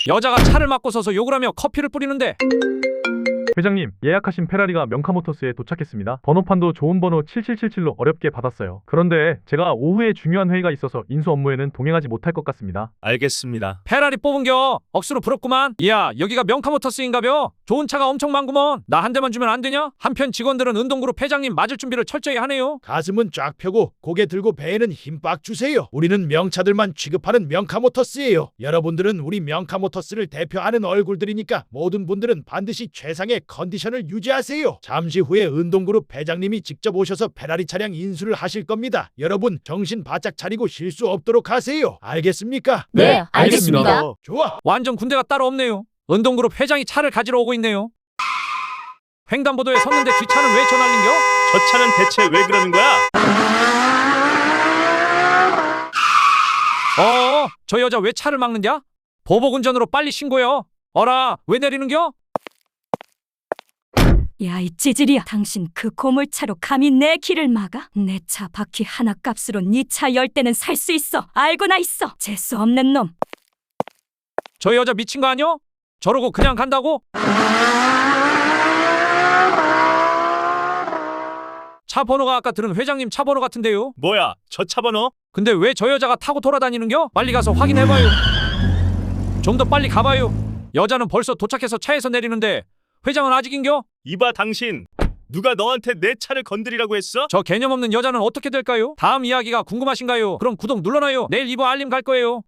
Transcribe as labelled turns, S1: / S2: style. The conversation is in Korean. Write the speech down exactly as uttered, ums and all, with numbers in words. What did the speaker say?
S1: 여자가 차를 막고 서서 욕을 하며 커피를 뿌리는데
S2: 회장님, 예약하신 페라리가 명카모터스에 도착했습니다. 번호판도 좋은 번호 칠칠칠칠로 어렵게 받았어요. 그런데 제가 오후에 중요한 회의가 있어서 인수 업무에는 동행하지 못할 것 같습니다.
S3: 알겠습니다.
S1: 페라리 뽑은겨. 억수로 부럽구만. 이야, 여기가 명카모터스인가벼. 좋은 차가 엄청 많구먼. 나 한 대만 주면 안 되냐? 한편 직원들은 은동그룹 회장님 맞을 준비를 철저히 하네요.
S4: 가슴은 쫙 펴고 고개 들고 배에는 힘 빡 주세요. 우리는 명차들만 취급하는 명카모터스예요. 여러분들은 우리 명카모터스를 대표하는 얼굴들이니까 모든 분들은 반드시 최상의 컨디션을 유지하세요. 잠시 후에 은동그룹 회장님이 직접 오셔서 페라리 차량 인수를 하실 겁니다. 여러분 정신 바짝 차리고 실수 없도록 하세요. 알겠습니까?
S5: 네, 알겠습니다.
S4: 좋아.
S1: 완전 군대가 따로 없네요. 은동그룹 회장이 차를 가지러 오고 있네요. 횡단보도에 섰는데 뒷차는 왜 저날린겨?
S3: 저 차는 대체 왜 그러는 거야?
S1: 어어, 저 여자 왜 차를 막는냐? 보복운전으로 빨리 신고해요. 어라, 왜 내리는겨?
S5: 야, 이 찌질이야. 당신 그 고물차로 감히 내 길을 막아? 내 차 바퀴 하나 값으로 네 차 열 대는 살 수 있어. 알고나 있어. 재수 없는 놈.
S1: 저 여자 미친 거 아니여? 저러고 그냥 간다고? 차 번호가 아까 들은 회장님 차 번호 같은데요?
S3: 뭐야, 저 차 번호?
S1: 근데 왜 저 여자가 타고 돌아다니는겨? 빨리 가서 확인해봐요. 좀 더 빨리 가봐요. 여자는 벌써 도착해서 차에서 내리는데 회장은 아직인겨?
S3: 이봐 당신, 누가 너한테 내 차를 건드리라고 했어?
S1: 저 개념 없는 여자는 어떻게 될까요? 다음 이야기가 궁금하신가요? 그럼 구독 눌러놔요. 내일 이 부 알림 갈 거예요.